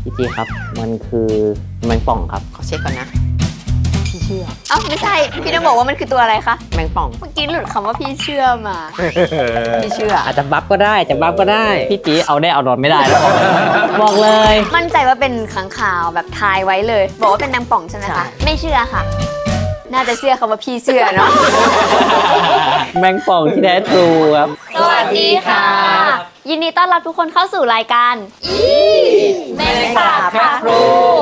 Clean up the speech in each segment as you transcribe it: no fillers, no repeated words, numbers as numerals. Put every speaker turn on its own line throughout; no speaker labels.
พี่จีครับมันคือแมงป่องครับ
ขอเช็คก่อนนะพี่เชื่อ
เอ้าไม่ใช่พี่ต้องบอกว่ามันคือตัวอะไรคะ
แมงป่อง
เมื่อกี้หลุดคำว่าพี่เชื่อมา
พี่เชื่อ
อาจจะบัฟก็ได้จะบัฟก็ได้พี่จีเอาได้เอานอนไม่ได้แล้วบอกเลย
มั่นใจว่าเป็นขังข่าวแบบทายไว้เลย บอกว่าเป็นแมงป่องใช่ไหม
ใช่
คะไม่เชื่อค่ะ น่าจะเชื่อคำว่าพี่เชื่อเนาะ
แมงป่องที่แท้ทรูครับ
สวัสดีค่ะ ยินดีต้อนรับทุกคนเข้าสู่รายการแมงสาบค่ะครู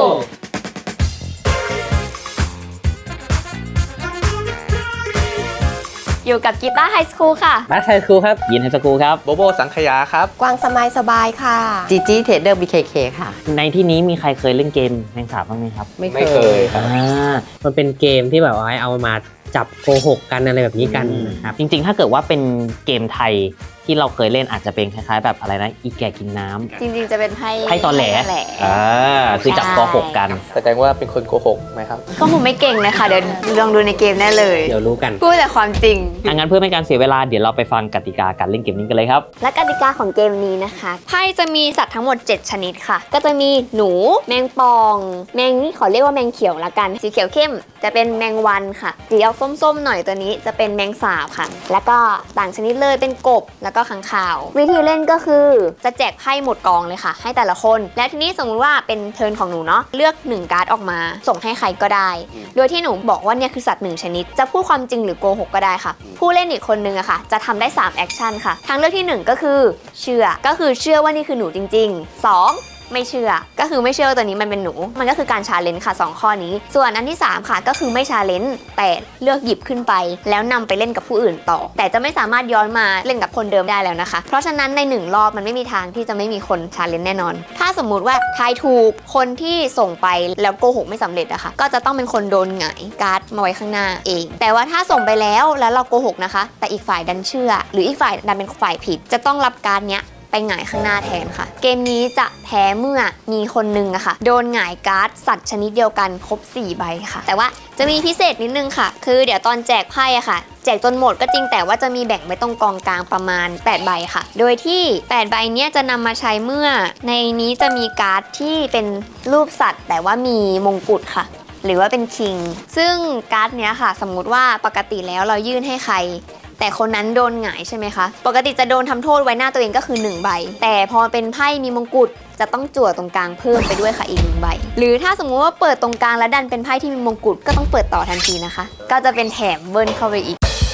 อยู่กับกีตาร์ไฮสคูลค่ะ
มาไทยครูครับยินไฮสกูลครับ
โบโบสังขยาครับ
กวางสบายสบายค่ะ
จีจีเทรดเดอร์บีเคค่ะ
ในที่นี้มีใครเคยเล่นเกมแมงสาบบ้างไหมครับ
ไม่เคยครับ
มันเป็นเกมที่แบบว่าให้เอามาจับโกหกกันอะไรแบบนี้กันนะครับ
จริงๆ ถ้าเกิดว่าเป็นเกมไทยที่เราเคยเล่นอาจจะเป็นคล้ายๆ แบบอะไรนะอีแก่กินน้ำ
จริงๆจะเป็นไพ่
ไพ่ตอแหลคือจับกอหกกัน
แสดงว่าเป็นคนโกหกไหมครับ
ก็ผมไม่เก่งเลยค่ะ เดี๋ยวลองดูในเกมแน่เลย
เดี๋ยวรู้กัน
พูดแต่ความจริง
งั้นเพื่อไม่ให้การเสียเวลาเดี๋ยวเราไปฟังกติกาการเล่นเกมนี้กันเลยครับ
และกติกาของเกมนี้นะคะไพ่จะมีสัตว์ทั้งหมด 7 ชนิดค่ะ ก็จะมีหนู แมงปอง แมงนี่ขอเรียกว่าแมงเขียวละกัน สีเขียวเข้มจะเป็นแมงวันค่ะสีออกส้มๆหน่อยตัวนี้จะเป็นแมงสาบค่ะ แล้วก็ต่างชนิดเลยเป็นกบแล้วก็ค้างคาว วิธีเล่นก็คือจะแจกไพ่หมดกองเลยค่ะ ให้แต่ละคน และทีนี้สมมติว่าเป็นเทิร์นของหนูเนาะเลือก1การ์ดออกมา ส่งให้ใครก็ได้ โดยที่หนูบอกว่าเนี่ยคือสัตว์1ชนิด จะพูดความจริงหรือโกหกก็ได้ค่ะ ผู้เล่นอีกคนนึงอะค่ะ จะทำได้3แอคชั่นค่ะทางเลือกที่ 1 ก็คือเชื่อก็คือเชื่อว่านี่คือหนูจริงๆ 2 ไม่เชื่อก็คือไม่เชื่อว่าตัวนี้มันเป็นหนูมันก็คือการชาเลนจ์ค่ะ2ข้อนี้ส่วนอันที่3ค่ะก็คือไม่ชาเลนจ์แต่เลือกหยิบขึ้นไป แล้วนำไปเล่นกับผู้อื่นต่อ แต่จะไม่สามารถย้อนมาเล่นกับคนเดิมได้แล้วนะคะเพราะฉะนั้นใน1รอบมันไม่มีทางที่จะไม่มีคนชาเลนจ์แน่นอนถ้าสมมุติว่าทายถูกคนที่ส่งไปแล้วโกหกไม่สำเร็จอะค่ะก็จะต้องเป็นคนโดนหงายการ์ดมาไว้ข้างหน้าเอง แต่ว่าถ้าส่งไปแล้วเราโกหกนะคะแต่อีกฝ่ายดันเชื่อ หรืออีกฝ่ายดันเป็นฝ่ายผิดจะต้องรับการ์ดเนี้ยไปหงายข้างหน้าแทนค่ะเกมนี้จะแพ้เมื่อมีคนนึงอะค่ะโดนหงายการ์ดสัตว์ชนิดเดียวกันครบ4ใบค่ะแต่ว่าจะมีพิเศษนิดนึงค่ะคือเดี๋ยวตอนแจกไพ่อะค่ะแจกจนหมดก็จริงแต่ว่าจะมีแบ่งไว้ตรงกองกลางประมาณ8ใบค่ะโดยที่8ใบเนี้ยจะนำมาใช้เมื่อในนี้จะมีการ์ดที่เป็นรูปสัตว์ แต่ว่ามีมงกุฎค่ะหรือว่าเป็นคิงซึ่งการ์ดเนี้ยค่ะสมมุติว่าปกติแล้วเรายื่นให้ใครแต่คนนั้นโดนหงายใช่ไหมคะปกติจะโดนทำโทษไว้หน้าตัวเองก็คือ1ใบแต่พอเป็นไพ่มีมงกุฎจะต้องจั่วตรงกลางเพิ่มไปด้วยค่ะอีก1ใบหรือถ้าสมมุติว่าเปิดตรงกลางแล้วดันเป็นไพ่ที่มีมงกุฎก็ต้องเปิดต่อทันทีนะคะก็จะเป็นแถมเบิ้ลเข้าไปอีก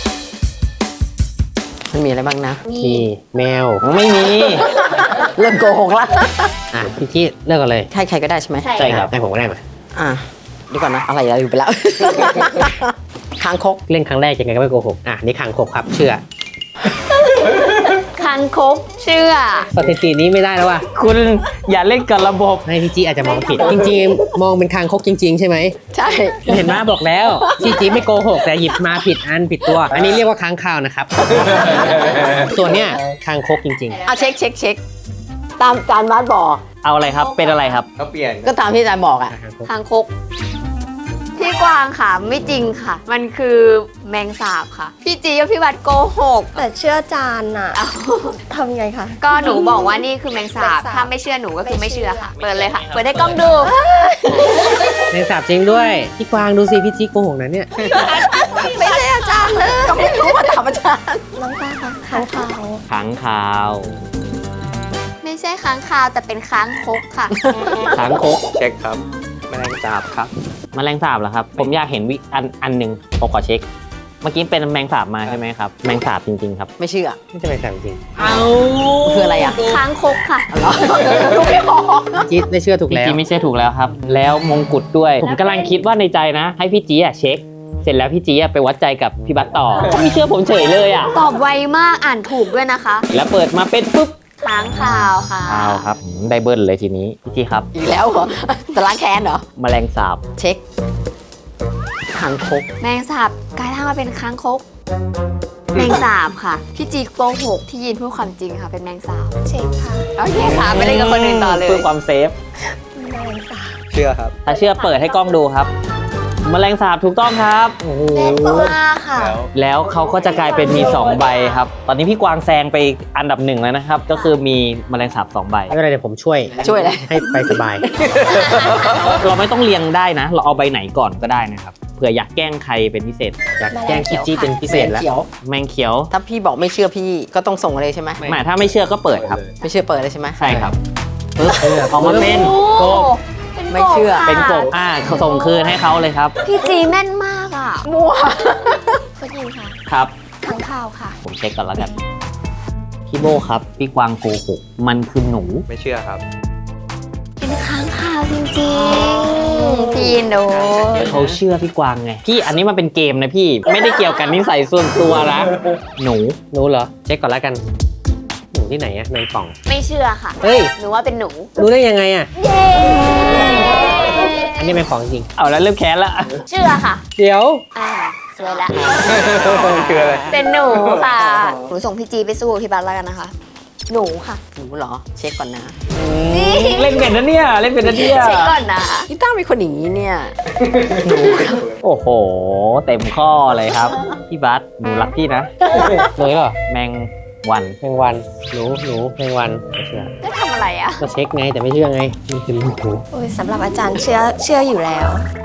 มันมีอะไรบ้างนะ
นี่แมว
ไม่มี
เริ่มโกหกละ
อ่ะพี่จี้เลือกกันเลย
ใครก็ได้ใช่ไหม
ใช่ครับ
ให้ผมก็ได้มา
อ่ะเดียวก่อนนะอะไรอยู่ไปแล้ว คางคก
เล่นครั้งแรกยังไงก็ไม่โกหกนี่คางคกครับเชื่อ
คังคกเชื่อ
สถิตินี้ไม่ได้แล้วว่ะ
คุณอย่าเล่นกับระบบ
ให้พี่จี้อาจจะมองผิด จริงๆ มองเป็นคางคกจริง ๆ ใช่ไหม
ใช่
เห็นไหมบอกแล้วพี่จี้ไม่โกหกแต่หยิบมาผิดอันผิดตัว อันนี้เรียกว่าค้างคาวนะครับ ส่วนเนี้ยคางคกจริง
เอาเช็คตามจานบาสบอก
เอาอะไรครับเป็นอะไรครับ
เขาเปลี่ยน
ก็ตามที่จานบอกอ่ะ
ๆ
คางคกพี่กวางค่ะไม่จริงค่ะ มันคือแมงสาบค่ะ พี่จีกับพี่บัตโกหก
แต่เชื่อจานอะทำไงคะ
ก็หนูบอกว่านี่คือแมงสาบ ถ้าไม่เชื่อหนูก็คือไม่เชื่อค่ะ เปิดเลยค่ะ เปิดให้กล้องดู
ในสาบจริงด้วย พี่กวางดูสิพี่จี้โกหกนะเนี่ย
ไม่ใช่อาจารย์เลย
ก็ไม่รู้ว่าถามอาจารย์
น้องตาคะค้างคาว
ขังคาว
ไม่ใช่ค้างคาวแต่เป็นค้างคกค่ะ
ขังคก
เช็คครับแมลงสาบครับ
แมลงสาบเหรอครับ ผมอยากเห็นอันหนึ่งผมขอเช็ค เมื่อกี้เป็นแมงสาบมาใช่ไหมครับ แมงสาบจริงๆครับ
ไม่เชื่อ
ไม่จะเป็นสาบจริง
คืออะไรอ่ะ
ค้างคกค่ะ
รู้ไม่ออก
จี้ได้เชื่อถูก
พี่
แล้ว
จีไม่ใช่ถูกแล้วครับ แล้วมงกุฎด้วย ผมกำลังคิดว่าในใจนะ ให้พี่จีเช็ค เสร็จแล้วพี่จีไปวัดใจกับพี่บัตต่อเขาไม่เชื่อผมเฉยเลยอ่ะ
ตอบไวมากอ่านถูกด้วยนะคะ
แล้วเปิดมาเป็นปุ๊บ
ค้างคาวค่ะ
คาวครับได้เบิ้ลเลยทีนี้พี่จีครับ
อีกแล้วเหรอจะล้างแค้นเหรอ
แมลงสาบ
เช็คคางคก
แมงสาบกลายร่างมาเป็นค้างคก แมงสาบค่ะ พี่จีโกหกที่ยินพูดความจริงค่ะ เป็นแมงสาบ
เช็คค่ะ
โอเคค่ะไปเล่นกับคนอื่นต่อเลย
เพื่อความเซฟ
แมลงสาบ
เชื่อครับ
ถ้าเชื่อเปิดให้กล้องดูครับแมลงสาบถูกต้องครับโอ้โห
ค่ะ
แล้วเขาก็จะกลายเป็นมี 2 ใบครับ ตอนนี้พี่กวางแซงไปอันดับ 1แล้วนะครับ ก็คือมีแมลงสาบ2 ใบ
ไม่เป็นไรเดี๋ยวผมช่วย
ช่วยเลย
ให้ไปสบาย
เราไม่ต้องเรียงได้นะ เราเอาใบไหนก่อนก็ได้นะครับเผื่ออยากแกล้งใครเป็นพิเศษ
อยากแกล้งคิจี้เป็นพิเศษแล้ว
เขียว
แมงเขียว
ถ้าพี่บอกไม่เชื่อพี่ก็ต้องส่งเลยใช่ไหม
หมายถ้าไม่เชื่อก็เปิดครับ
ไม่เชื่อเปิดเลยใช่ไหม
ใช่ครับปึ๊บออกมาเป็นกบ
ไม่เชื่อ
เป็นกบเขาส่งคืนให้เขาเลยครับ
พี่จีแม่นมากอ่ะ
มัวก็ยิงค่ะ
ครับ
ข้างข่าวค่ะ
ผมเช็คก่อนแล้วกันพี่โบครับพี่กวางโกหกมันคือหนู
ไม่เชื่อครับ
เป็นค้างคาวจริงๆ พี่โด
เขาเชื่อพี่กวางไงพี่อันนี้มันเป็นเกมนะพี่ไม่ได้เกี่ยวกันนิสัยส่วนตัวนะหนู
หนูเหรอ เช็คก่อนแล้วกัน หนูที่ไหนอะแมงป่อง
ไม่เชื่อค่ะ
เฮ้ย
หนูว่าเป็นหนู
รู้ได้ยังไงอะ
เย้
อันนี้แมงป่องจริง
เอาแล้วเริ่มแค้นละ
เชื่อค่ะ
เดี๋ยว
สวยละ
คืออะไร
เป็นหนูค่ะ หนูส่งพี่จีไปสู้พี่บัสแล้วกันนะคะ หนูค่ะ
หนูเหรอ เช็คก่อนนะ
เล่นเป็นนะเนี่ยเล่นเป็นนะเนี่ย
เช็คก่อนนะ
พี่ต้าเป็นคนอย่างนี้เนี่ย
โอ้โหเต็มข้อเลยครับพี่บัสหนูรักพี่นะ
หนูเหรอ
แมงวัน
แมงวัน หนูแมงวันไม่เชื่อ
จะทำอะไรอ่ะ
ก็เช็คไงแต่ไม่เชื่อไง มันคือหนู
โอ้ยสำหรับอาจารย์เชื่ออยู่แล้ว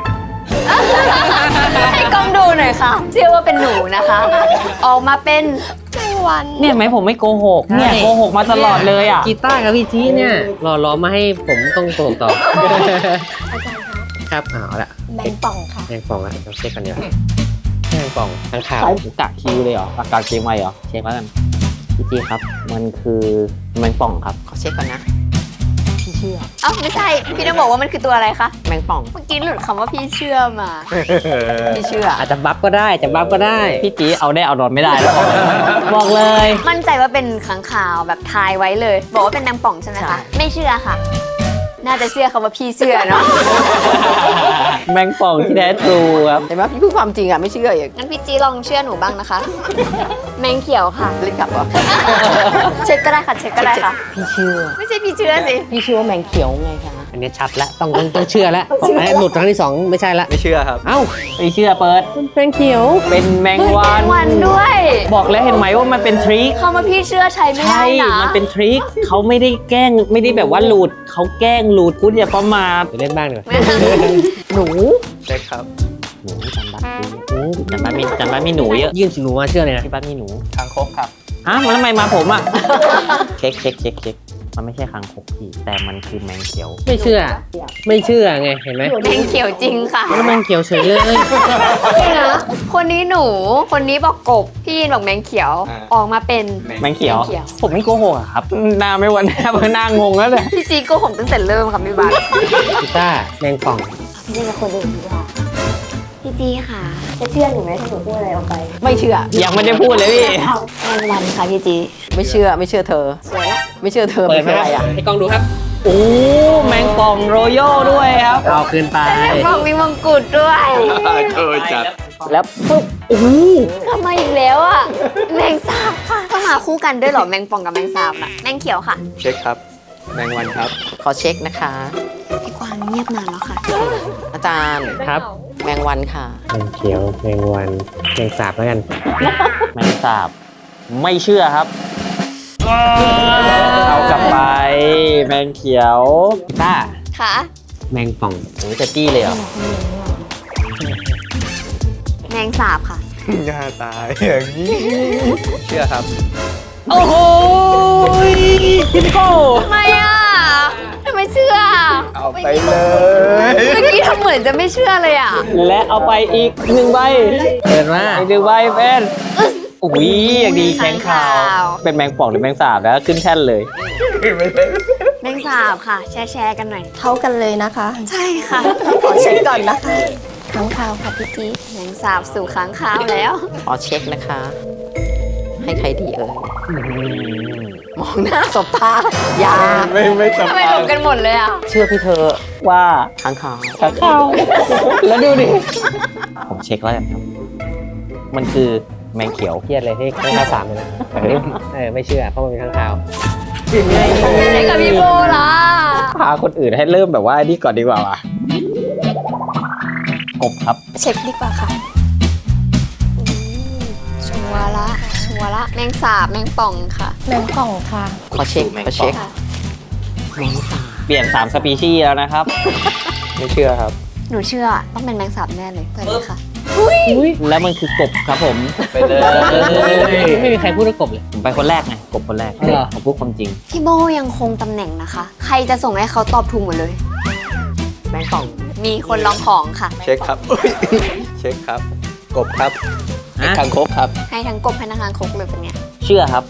ให้กล้องดูหน่อยค่ะ เชื่อว่าเป็นหนูนะคะ ออกมาเป็น
แมงวัน
เนี่ยไหมผมไม่โกหกเนี่ยโกหกมาตลอดเลยอ่ะ
กีตาร์กับพี่จี้เนี่ยรอมาให้ผมต้องโกหกต่อ
อาจารย์คะ
ครับเอาละ
แมงป่องค่ะ
แมงป่องละเราเช็คกันเดี๋ยวาแมงป่องทางข่าว
กะคิวเลยเหรอปากกาเกมไว้เหรอเช็คแล้วกันพี่จีครับ มันคือแมงป่องครับ
ขอเช็คก่อนนะ พี่เชื่อ
เอ้าไม่ใช่ พี่ต้องบอกว่ามันคือตัวอะไรคะ
แมงป่อง
เมื่อกี้หลุดคำว่าพี่เชื่อมา
พี่เชื่อ
อาจจะบัฟก็ได้จะบัฟก็ได้
พี่จีเอาได้เอานอนไม่ได้แล้วบอกเลย
มั่นใจว่าเป็นค้างคาวแบบทายไว้เลย บอกว่าเป็นนางป่องใช่ไหม
ใช่
คะ ไม่เชื่อค่ะ น่าจะเชื่อคำว่าพี่เชื่อเนาะ
แมงป่องที่แท้ทรูครับ
เห็นไหมพี่พูดความจริงอ่ะไม่เชื่ออย่าง
งั้นพี่จีลองเชื่อหนูบ้างนะคะ แมงเขียวค่ะ
เล่นกลับเหรอ
เช็คก็ได้ค่ะ เช็คก็ได้ค่ะ
พี่เชื่อ
ไม่ใช่พี่เชื่อสิ
พี่เชื่อว่าแมงเขียวไงคะ
อันนี้ชัดแล้วต้องเชื่อแล้วไอ้หลุดครั้งที่สองไม่ใช่ละ
ไม่เชื่อครับ
เอ้า
ไม่เชื่อเปิด
เป็นเขียว
เป็นแมงวั
แม
น
งวันด้วย
บอกแล้วเห็นไหมว่ามันเป็นทริค
คำว่าพี่เชื่อใช้ไม่
ใช่
ได้นะ
มันเป็นทริคเขาไม่ได้แกล้งไม่ได้แบบว่าหลุดเขาแกล้งหลุดคุณอย่าประมาท
เดี๋ยวเล่นบ้างดีกว่า
หนู
เช็คครับ
หนูจำบัตรดีจำบัตรมีหนูเยอะ
ยื่นหนูมาเชื่อเลยนะ
ที่บ้านมีหนู
คางคกครับ
ฮะมันทำไมมาผมอ่ะ เช็คมันไม่ใช่คางคกพี่แต่มันคือแมงเขียว
ไม่เชื่อไงเห็นไหม
แมงเขียวจริงค่ะ
แล้วแมงเขียวเฉยเลย
คนนี้หนู คนนี้บอกกบ พี่ยินบอกแมงเขียว
อ่า
ออกมาเป็น
แมงเขียว
แมงเขียว
ผมไม่โกหกอะครับหน้าไม่วันหน้าเพิ่งหน้างงแล้วเนี่ย
พี่จีโก็ผมตั้งแต่เริ่มค่ะพี่บัส
กีตาร์แมงป่อง
นี่กับคนอื่นดีกว่าพี่จีค่ะ จะเชื่อหนูไหมถ้าหนูพูดอะไรออกไป
ไม่เชื่อ
ยังไม่ได้พูดเลยพี่
แมงวันค่ะพี่จี
ไม่เชื่อเธอ
สวยละ
ไม่เชื่อเธอ
เปิด
เป็น
มา
อะไรอ่ะ
ให้กล้องดูครับ
โอ้แมงป่องโรโย่ด้วยครับ
เอาคืนไป
บอกมีมงกุฎด้วย
เออจัด
แล้วปุ๊บโอ้โห
กลับมาอีกแล้วอ่ะ แมงสาบค่ะต้องมาคู่กันด้วยเหรอแมงป่องกับแมงสาบน่ะแมงเขียวค่ะ
เช็คครับ แมงวันครับ
ขอเช็คนะคะ
พี่กวางเงียบนานแล้วค่ะ
อาจารย์
ครับ
แมงวันค่ะ
แมงเขียวแมงวันแมงสาบแล้วกัน
แมงสาบไม่เชื่อครับเอากลับไป แมงเขียวกีตาร์
ค่ะ
แมงป่อง
หนูจะจี้เลยเหรอ
แมงสาบค่ะ
ย่าตายอย่างนี้ เชื่อครับ
โอ้โหพี่โก้
ทำไมอ่ะทำไมเชื่อ
เอาไปเลย
เมื่อกี้ทำเหมือนจะไม่เชื่อเลยอ่ะ
และเอาไปอีกหนึ่งใบ
เปิดมา
อีกหนึ่งใบเป็นอุ้ยอย่างดีแข็งขาว เป็นแมงป่องหรือแมงสาบแล้วขึ้นแท่นเลย
แมงสาบค่ะ แชร์กันหน่อย
เท่ากันเลยนะคะ
ใช่ค่ะ
ขอเช็คก่อนนะคะข้างข่าวค่ะพี่จี๊ด
แมงสาบสู่ค้างคาวแล้ว
ขอเช็คนะคะ ให้ใครดีเอ่ยมองหน้าสบตาอย่า
ไม่ส
ทำไม
บา
หล
ย
บกันหมดเลยอ่ะ
เชื่อพี่เธอ
ว่า
ค้างคาว
ข้างข้าวแล้วดูดิ ผมเช็คแล้วกันครับ มันคือแมงเขียว
เครียดเลยที่ข้างข่าวสามเลยนะไม่เชื่อเพราะมันเป็นข้างข่าว
ไหนกับพี่โบล่ะ
พาคนอื่นให้เริ่มแบบว่านี่ก่อนดีกว่าว่ะกบครับ
เช็คดีกว่าค่ะ
ชัวร์ละชัวร์ละแมงสาบแมงป่องค่ะ
แมงป่องค่ะ
ขอเช็คขอเช็ค
ค่ะ
แมงสาบ
เปลี่ยน3สปีชีส์แล้วนะครับ
ไม่เชื่อครับ
หนูเชื่อต้องเป็นแมงสาบแน่เลยเปิดเลยค่ะ
แล้วมันคือกบครับผม
ไปเลย
ไม่มีใครพูดว่ากบเลย
ผมไปคนแรกไงกบคนแรก
อ๋อเหรอ
ผมพูดความจริง
พี่โบยังคงตำแหน่งนะคะ ใครจะส่งให้เขาตอบถูกหมดเลย
แมงป่อง
มีคนลองของค่ะ
เช็คครับอุ๊ยเช็คครับ กบครับ
ฮะ
คางคกครับ
ให้ทั้งกบให้ทั้งคางคกเลยเป็นเนี้ย
เชื่อครับ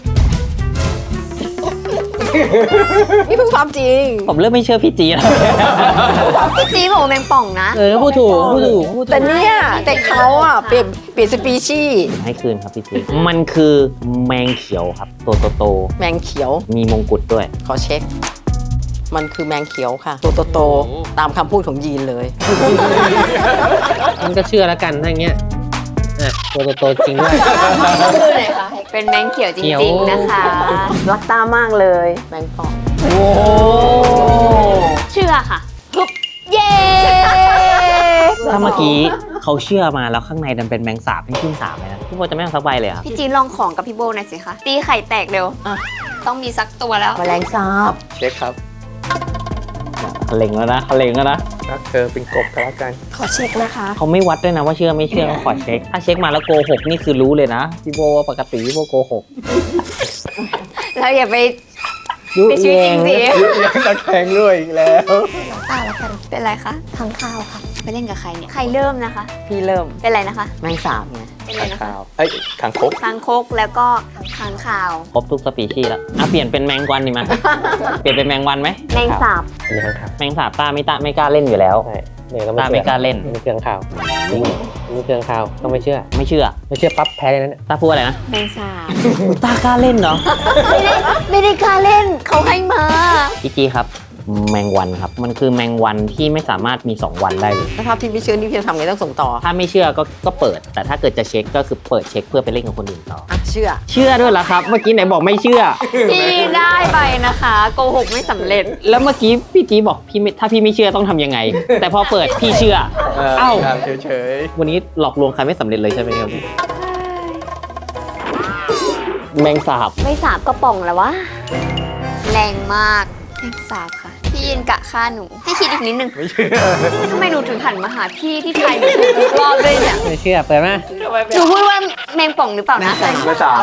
นี่เพิ่งความจริง
ผมเริ่มไม่เชื่อพี่จีแล้ว
พี่จีบอกว่าแมงป่องนะ
พูดถูกพูดถูกพูดถูก
แต่เนี่ยแต่เขาอ่ะเปลี่ยนสปีชีส์
ให้คืนครับพี่จีมันคือแมงเขียวครับตัวโต
แมงเขียว
ๆมีมงกุฎด้วย
ขอเช็ค มันคือแมงเขียวค่ะ ตัวโตๆตามคำพูดของยีนเลย
มันก็เชื่อแล้วกันถ้าอย่างเงี้ยอ่ะตัวโตๆจริงด้วย
เป็นแมงเขียวจ
เขียว
ริงๆนะคะ
รักตามากเลย แมงป่อง
เชื่อค่ะฮึบเย้
ถ้าเมื่อกี้เขาเชื่อมาแล้วข้างในดันเป็นแมงสาบให้ขึ้นสาบเลยนะพี่โบจะไม่เอาสักใบเลยเหรอครับ
พี่จีนลองของกับพี่โบหน่อยสิคะตีไข่แตกเร็ว
อ่ะ
ต้องมีสักตัวแล้ว
แมลงสาบ
เช็คครับ
เขาเล็งแล้วนะเขาเล็งแล้วนะ
รักเธอเป็นกบก็แล้วกัน
ขอเช็คนะคะ
เขาไม่วัดด้วยนะว่าเชื่อไม่เชื่อเขาขอเช็ค ถ้าเช็คมาแล้วโกหกนี่คือรู้เลยนะพี่โบว่าปกติพี่โบโกหก
แล้วอย่าไป
ยุ
ไปชีวิตจริงสิ
นักแข่งด้วยอีกแล้ว
ตาแล้วกัน
เป็นไรคะ
ค้างคาวค่ะ
ไปเล่นกับใครเนี่ย ใครเริ่มนะคะ
พี่เริ่ม
เป็นไรนะคะ
แมงสาบไง
เป็นไร
ข้าง
นะคะ
คาวเอ้ยคางคก
คางคกแล้วก็ค้างคาว
ครบทุกสปีชีส์แล้วอ่ะเปลี่ยนเป็นแมงวันดีไหม เปลี่ยนเป็นแมงวันไหม
แมงสาบ
อันนี้ข้างข่าว
แมงสาบต้าไม่กล้าเล่นอยู่แล้ว
ใช่เนี่ยก็
ต้าไม่กล้าเล่น
ไม่เชื่อข่าวจริงไม่เชื่อข่าวต้องไม่เชื่อ
ไม่เชื่อ
ไม่เชื่อปั๊บแพ้เลยนะเนี่ย
ต้าพูดอะไรนะ
แมงสาบ
ต้ากล้าเล่นเหรอ
ไม่ได้กล้าเล่นเขาให้มา
พี่จีครับ แมงวันครับ มันคือแมงวันที่ไม่สามารถมี 2 วันได้เลย
ถ้าพี่ไม่เชื่อนี่พี่จะทำไงต้องส่งต่อ
ถ้าไม่เชื่อก็เปิด แต่ถ้าเกิดจะเช็คก็คือเปิดเช็คเพื่อไปเล่นกับคนอื่นต่อ
อ่ะเชื่อ
เชื่อด้วยเหรอครับ เมื่อกี้ไหนบอกไม่เชื่อ
พี่ได้ไปนะคะโกหกไม่สำเร็จ
แล้วเมื่อกี้พี่จีบอกพี่ไม่ถ้าพี่ไม่เชื่อต้องทำยังไง แต่พอเปิดพี่เชื่อ เอ้า
ถามเฉย
วันนี้หลอกลวงใครไม่สำเร็จเลยใช่ไหมครับแมงสาบ
ไม่สาบก็ป่องแล้ววะ แรงมากแมงสาบค่ะ พี่ยินกะฆ่าหนู ให้คิดอีกนิดนึง
ๆไม่เชื่อ
ทำไมหนูถึงหันมาหาพี่ที่ไทยหนูถูกทุกรอบด้วยเนี่ย
ไม่เชื่อเปิดมา
หนูพูดว่าแมงป่องหรือเปล่านะ
ไม่สาม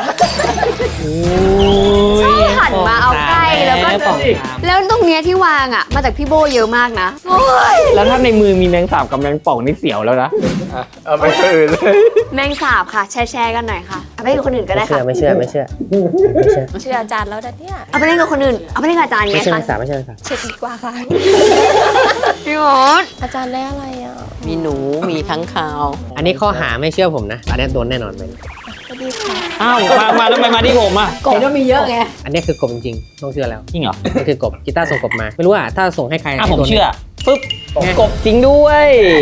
ชอบหันมาเอาใกล้แล้วก็
ป่อง
แล้วตรงเนี้ยที่วางอ่ะ มาจากพี่โบเยอะมากนะโอ้ย
แล้วถ้าในมือมีแมงสาบกับแมงป่องนี่เสียวแล้วนะ
อ่ะเอาไปคนอื่นเลย
แมงสาบค่ะ แชร์กันหน่อยค่ะเอาไปเล่นกับคนอื่นก็ได้
ไม่เชื่
ค่ะ
อไม่เชื่อไม่เชื่อไม่เชื่อ
เชื่ออาจารย์แล้วนะเนี่ย
เอาไปเล่นกับคนอื่น เอาไปเล่นกับอาจารย์
ไม่
ไง
เชื่อ
คะ
ไม่สาไม่เชื่อไม่สา
เช็คดีกว่าค่ะ
พี่มด
อาจารย์ได้อะไรอ่ะ
มีหนูมีค้างคาว
อันนี้ข้อหาไม่เชื่อผมนะอันนี้โดนแน่นอนไป
สวัสดีค่ะ
อ้าวมาแล้วทำไมมาที่ผมอ่ะ
เห็นว่ามีเยอะไง
อันนี้คือกบจริงๆต้องเชื่อแล้ว
จริงเหรอ
มันคือกบกีตาร์ส่งกบมา ไม่รู้อ่ะถ้าส่งให้ใคร
อ่ะผม
โดน
เชื่อปึ๊บกบจริงด้วย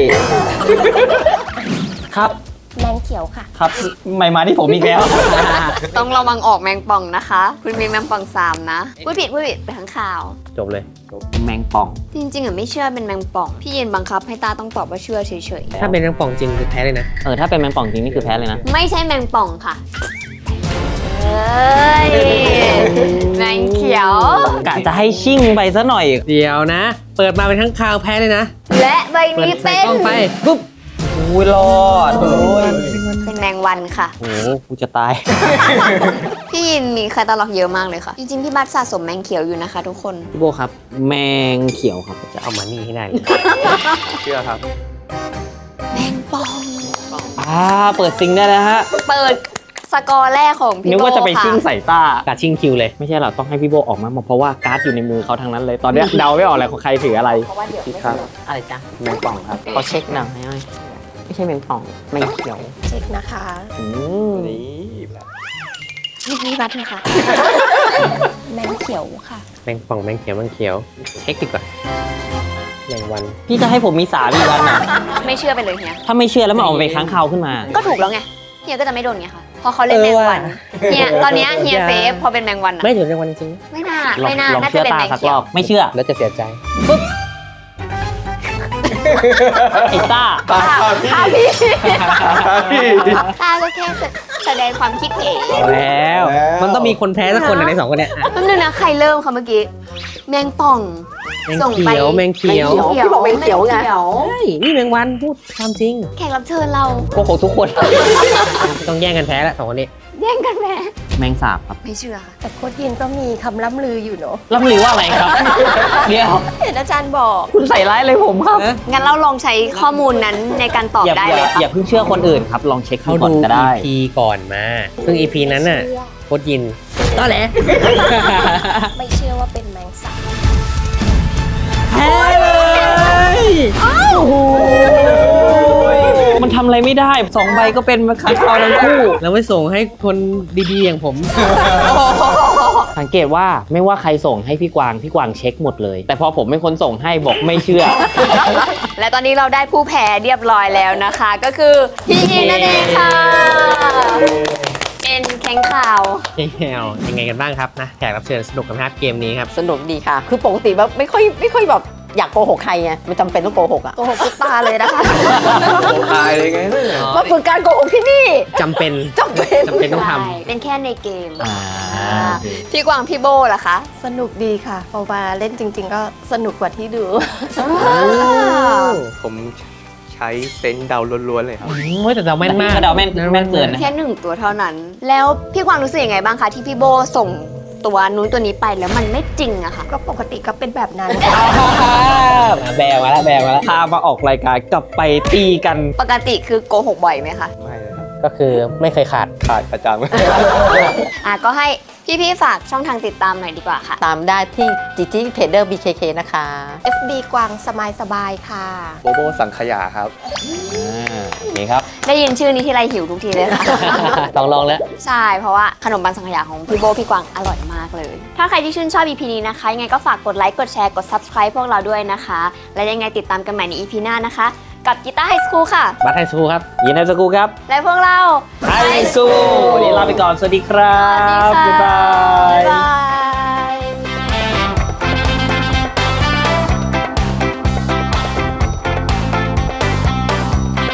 ครับ
แมงเขียวค่ะ
ครับไม่มาที่ผมอีกแล้ว
ต้องระวังออกแมงป่องนะคะ คุณมีแมงป่อง3นะพูดผิดไปทั้งข่าว
จบเลย
แมงป่อง
จริงๆอ่ะไม่เชื่อเป็นแมงป่อง พี่ยินบังคับให้ตาต้องตอบว่าเชื่อเฉย
ถ้าเป็นน้ำป่องจริงคือแพ้เลยนะ
ถ้าเป็นแมงป่องจริงนี่คือแพ้เลยนะ
ๆ ไม่ใช่แมงป่องค่ะเอ้ยแมงเขียว
กะจะให้ชิ่งไปซะหน่อย
เดี๋ยวนะ เปิดมาเป็นทั้งคาวแพ้เลยนะ
และใบ
เปิด
นี้
ใส่
เป็น
กล้องไป
ปุ๊บอุ้ยรอดโอ้ย
เป็นแมงวันค่ะ
โอ้โหกูจะตาย
พี่ยินมีแคตตาล็อกเยอะมากเลยค่ะ จริงๆ พี่บัตสะสมแมงเขียวอยู่นะคะทุกคน
พี่โบครับ แมงเขียวครับ
จะเอามานี่ให้ได้เลย
เชื่อครับ
แมงป่อง
เปิดซิงได้แล้วฮะ
เปิดสกอร์แรกของพี่
นึก
โบ
ว่าจะไป
ค่ะ
ชิ่งใส่ต้า
กัดชิงคิวเลย
ไม่ใช่หรอกต้องให้พี่โบออกมาเพราะว่าการ์ดอยู่ในมือเขาทั้งนั้นเลย ตอนเนี้ย เดาไม่ออกเลยของใครถืออะไร
คิดครับ
อะไรจ๊ะ
แมงป่องครับ
ขอเช็คหน่อยไม่ใช่แมงป่อง แมงเขียว
เช็คนะคะ
นี่
พี่บัตเถอะค่ะ
แมงเขียวค่ะ
แมงป่องแมงเขียวแมงเขียว เช็คดีกว่าแมงวัน
พี่จะให้ผมมีสามอีกวันอ่ะ
ไม่เชื่อไปเลยเฮีย
ถ้าไม่เชื่อแล้วมันออกไปค้างคาวขึ้นมา
ก็ถูกแล้วไง เฮียก็จะไม่โดนไงค่ะพอเขาเล่นแมงวัน เฮียตอนเนี้ยเฮียเซฟพอเป็นแมงวันอะ
ไม่ถึงแมงวันจริง
ไม่น่า
ลอง
ไม่น่า
ลอง
น่าจะ
เชื่อ
เป็น
ตา
แมง
สัก
เขี
ร
ย
อ
ว
บ ไม่เชื่อ
ๆ แล้วจะเสียใจ
ไอ้ต้า
ตาพี่ ตาพี่
ตาก็แค่แสดงความคิดเห็น
เอาแล้ว มันต้องมีคนแพ้สักคนในสองคนเนี้ยอ่ะ
แป๊บนึงนะใครเริ่มคะเมื่อกี้ แมงป่อง
แมง
ส่งไป
เขียวแมงเขียว
พี่บอกแมงเขียวไง
ใช่นี่แมงวันพูดความจริง
แขกรับเชิญเรา
โกหกทุกคน
ต้องแย่งกันแพ้ละสองคนนี้
แย่งกันแม่
แมงสาบครับ
ไม่เชื่อค่ะ
แต่โค้ดยินก็มีคำล่ำลืออยู่เนอะ
ล่ำลือว่าอะไรครับ เดี๋ยว
เห็นอาจารย์บอก
คุณใส่ร้ายเลยผมครับ
งั้นเราลองใช้ข้อมูลนั้นในการตอบ
อย่า
ได้
อย่า
เลยค่ะ
อย่าเพิ่งเชื่อคนอื่นครับ ลองเช็ค
เขา
ดูก่อน
ดู
ก็ได้
EP ก่อนมา ซึ่ง EP นั้นน่ะโคตรยินต้อแหละ
ไม่เชื่อว่าเป็นแมงสาบ
แพ้เลย
มันทำอะไรไม่ได้2ใบก็เป็นมาค้างคาวทั้งคู่
เราไม่ส่งให้คนดีๆอย่างผม
สังเกตว่าไม่ว่าใครส่งให้พี่กวางเช็คหมดเลย แต่พอผมเป็นคนส่งให้บอกไม่เชื่อ
และตอนนี้เราได้ผู้แพ้เรียบร้อยแล้วนะคะ ก็คือพี่ยินนั่นเองค่ะเป็นแข้งข่าว
ยังไงกันบ้างครับนะแขกรับเชิญสนุกกันไหมครับเกมนี้ครับ
สนุกดีค่ะ คือปกติแบบไม่ค่อยแบบอยากโกหกใครไงไม่จำเป็นต้องโกหกอ่ะ
โกหกทุกตาเลยนะคะ
ตายเลยไง
มาฝึกการโกหกที่นี่
จำเป็น
จำเป็น
ต้องท
ใช่เป็นแค่ในเกม
อ่า
พี่กวางพี่โบล่ะคะ
สนุกดีค่ะพอมาเล่นจริง ๆ ก็สนุกกว่าที่ดู
ผมใช้เซนส์เดาล้วนๆเลยครับ
ำแต่เราแม่นมาก
เดาแม่นเกินนะ
แค่1ตัวเท่านั้น แล้วพี่กวางรู้สึกยังไงบ้างคะที่พี่โบส่งตัวนู้นตัวนี้ไปแล้วมันไม่จริงอะค่ะ
ก็ปกติก็เป็นแบบนั้น
แบงมาแล้วพามาออกรายการกลับไปตีกัน
ปกติคือโกหกบ่อยไหมคะ
ไม่เลยครับ
ก็คือไม่เคยขาด
ขาดประจำ
ก็ให้พี่ๆฝากช่องทางติดตามหน่อยดีกว่าค่ะ
ตามได้ที่จีจีเพจเดอร์ BKK นะคะ
FB กวางสบายๆค่ะ
โบโบสังขยาครับ
โอเคครับ
ได้ยินชื่อนี้ทีไรหิวทุกทีเลยค่ะ
ลองแล้ว
ใช่ เพราะว่าขนมปังสังขยาของพี่โบพี่กวางอร่อยมากเลย ถ้าใครที่ชื่นชอบ EP นี้นะคะ ยังไงก็ฝากกดไลค์ กดแชร์ กด Subscribe พวกเราด้วยนะคะ และยังไงติดตามกันใหม่ใน EP หน้านะคะ กับกีตาร์ไฮสคูลค่ะ
บัตไทยสคูครับ
ยินดีสกูครับ
และพวกเรา
ไอซูวันนี้ลาไปก่อน สวัสดีครับ
สวัสดีค่ะ
บ๊ายบาย